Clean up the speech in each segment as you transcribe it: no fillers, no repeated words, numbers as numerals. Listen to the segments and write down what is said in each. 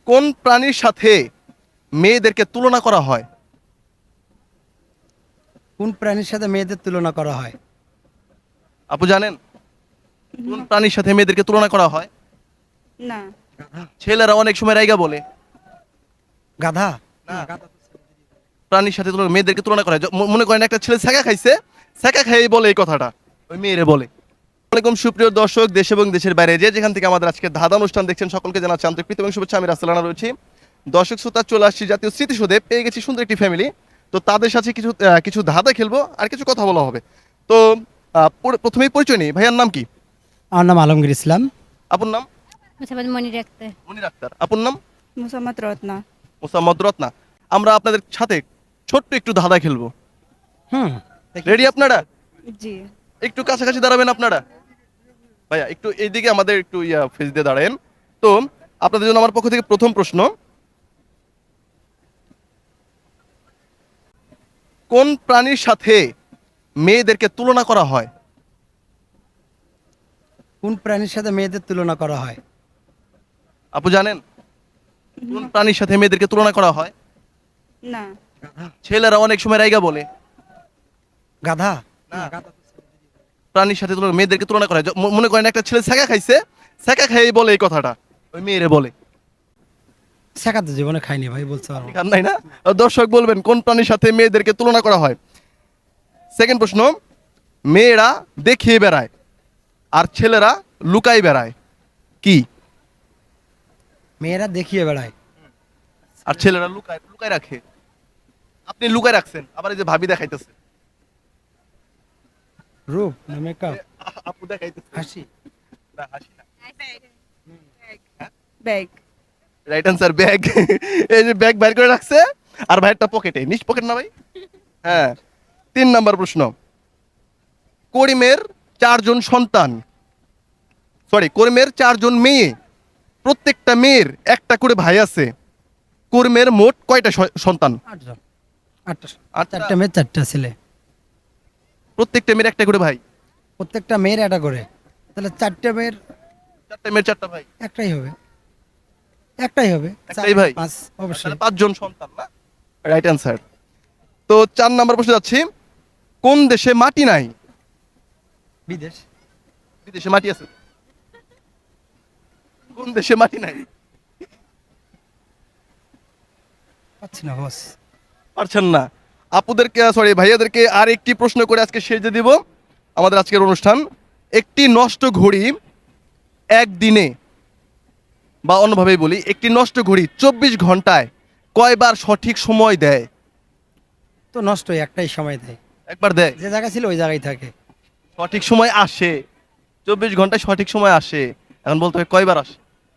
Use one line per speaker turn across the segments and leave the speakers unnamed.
কোন প্রাণীর সাথে মেয়েদেরকে তুলনা করা হয়?
কোন প্রাণীর সাথে মেয়েদের তুলনা করা হয়?
আপু জানেন কোন প্রাণীর সাথে মেয়েদেরকে তুলনা করা হয়?
না।
ছেলেরা অনেক সময় রাইগা বলে।
গাধা?
না, প্রাণীর সাথে মেয়েদেরকে তুলনা করা হয়। মনে করেন একটা ছেলে ছ্যাঁকা খাইছে, ছ্যাঁকা খাইয়ে বলে এই কথাটা, ওই মেয়েরে বলে। আসসালামু আলাইকুম সুপ্রিয় দর্শক, দেশ এবং দেশের বাইরে যে যেখান থেকে আমাদের আজকে ধাঁধা অনুষ্ঠান দেখছেন সকলকে জানাচ্ছি আন্তরিক প্রীতি এবং শুভেচ্ছা। আমি রাসেল রানা রয়েছি। দর্শক শ্রোতা, চলে আসছি জাতীয় স্মৃতিসৌধে, পেয়ে গেছি সুন্দর একটি ফ্যামিলি। তো তাদের সাথে কিছু ধাঁধা খেলবো আর কিছু কথা বলা হবে। তো প্রথমেই পরিচয় নিই, ভাইয়ার নাম কি?
আমার নাম আলমগীর ইসলাম।
আপুর নাম?
মুসাবাদ মনির আক্তার।
মনির আক্তার। আপুর নাম?
মুসাম্মদ রত্না।
মোসাম্মদ রত্না। আমরা আপনাদের সাথে ছোট্ট একটু ধাঁধা খেলবো।
হুম।
রেডি আপনারা?
জি।
একটু কাছাকাছি দাঁড়াবেন আপনারা। ভাইয়া একটু এইদিকে আমাদের একটু ফেস দিয়ে দাঁড়ান। তো আপনাদের জন্য আমার পক্ষ থেকে প্রথম প্রশ্ন, কোন প্রাণীর সাথে মেয়েদেরকে তুলনা করা হয়?
কোন প্রাণীর সাথে মেয়েদের তুলনা করা হয়?
আপু জানেন কোন প্রাণীর সাথে মেয়েদেরকে তুলনা করা হয়?
না।
ছেলেরা অনেক সময় রাইগা বলে।
গাধা?
না, প্রাণীর সাথে মেয়েদেরকে তুলনা করা হয়। মনে করেন একটা ছেলে ছ্যাঁকা খাইছে, ছ্যাঁকা খাইয়ে বলে এই কথাটা, ওই মেয়েরে বলে।
শেখা তো জীবনে খাইনি ভাই, বলতে পারবো না।
খান নাই না? দর্শক বলবেন কোন প্রাণীর সাথে মেয়েদেরকে তুলনা করা হয়। সেকেন্ড প্রশ্ন, মেয়েরা দেখিয়ে বেড়ায় আর ছেলেরা লুকাই বেড়ায়, কি?
মেয়েরা দেখিয়ে বেড়ায়
আর ছেলেরা লুকায় লুকায় রাখে। আপনি লুকায় রাখছেন, আবার এই যে ভাবি দেখাইতেছে।
রূপ না মেকআপ?
আপু দেখাইতেছে।
হাসি?
না, হাসি না।
ব্যাগ।
Right answer, bag. এই যে ব্যাগ বাইর করে রাখছে আর ভাইয়েরটা পকেটে, নিচ পকেট না ভাই? হ্যাঁ। 3 নাম্বার প্রশ্ন, করিমের 4 জন সন্তান, করিমের 4 জন মেয়ে, প্রত্যেকটা মেয়ের একটা করে ভাই আছে। করিমের মোট কয়টা সন্তান?
8 জন। 8টা।
আটটা।
4টে মেয়ে 4টা ছেলে।
প্রত্যেকটা মেয়ের একটা করে ভাই।
প্রত্যেকটা মেয়ের একটা করে, তাহলে 4টে মেয়ের
4টা মেয়ের 4টা ভাই।
একটাই হবে। একটাই হবে।
একটাই ভাই?
5 অবশ্যই।
5 জন সন্তান না? Right answer. তো 4 নাম্বার প্রশ্ন যাচ্ছি, কোন দেশে মাটি নাই?
বিদেশ?
বিদেশে মাটি আছে? কোন দেশে মাটি নাই?
পাচ্ছি না বস।
পারছেন না? আপুদেরকে ভাইয়াদেরকে আর একটি প্রশ্ন করে আজকে শেষ দিয়ে দিব আমাদের আজকের অনুষ্ঠান। একটি নষ্ট ঘড়ি একদিনে, বা অন্যভাবেই বলি, একটি নষ্ট ঘড়ি 24 ঘন্টায় কয়বার সঠিক সময় দেয়?
তো নষ্টই, একটাই সময় দেয়।
একবার দেয়।
যে জায়গা ছিল ওই জায়গায় থাকে।
সঠিক সময় আসে, 24 ঘন্টায় সঠিক সময় আসে। এখন বলতে হবে কয়বার আসে।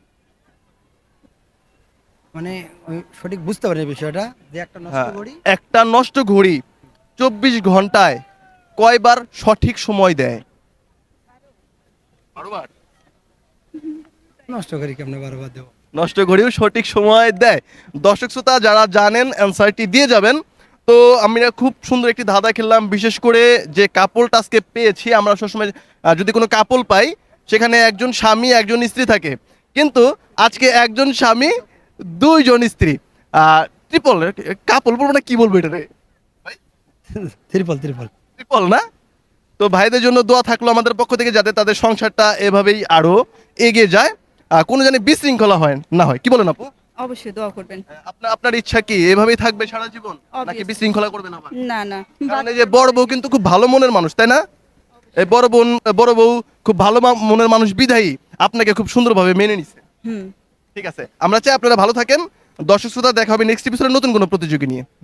মানে ওই সঠিক বুঝতে পারি বিষয়টা, যে একটা নষ্ট
হ্যাঁ,
করি।
একটা নষ্ট ঘড়ি 24 ঘন্টায় কয়বার সঠিক সময় দেয়? 12 বার।
নষ্ট করি কেমনে 12 বার দেবো?
নষ্ট ঘড়িও সঠিক সময় দেয়। দর্শক শ্রোতা যারা জানেন অ্যান্সারটি দিয়ে যাবেন। তো আমরা খুব সুন্দর একটি ধাঁধা খেললাম, বিশেষ করে যে কাপলটা আজকে পেয়েছি। আমরা সবসময় যদি কোনো কাপল পাই সেখানে একজন স্বামী একজন স্ত্রী থাকে, কিন্তু আজকে একজন স্বামী 2 জন স্ত্রী। ট্রিপল কাপল বলবো না, কি বলবো এটা রে?
ত্রিপল ত্রিপল।
ট্রিপল না? তো ভাইদের জন্য দোয়া থাকলো আমাদের পক্ষ থেকে, যাতে তাদের সংসারটা এভাবেই আরো এগিয়ে যায়, কোনো জানি বিশৃঙ্খলা হয় না হয়। কি বলেন আপু?
অবশ্যই দোয়া করবেন।
আপনার ইচ্ছা কি এভাবেই থাকবে সারা জীবন, নাকি
Obviously.
বিশৃঙ্খলা করবেন আবার?
না না।
কারণ এই যে বড় বউ কিন্তু খুব ভালো মনের মানুষ, তাই না? এই বড় বউ খুব ভালো মনের মানুষ বিধায়ী আপনাকে খুব সুন্দরভাবে মেনে নিছে।
হুম।
ঠিক আছে, আমরা চাই আপনারা ভালো থাকেন। দর্শক শ্রোতা, দেখা হবে নেক্সট এপিসোডে নতুন কোনো প্রতিযোগী নিয়ে।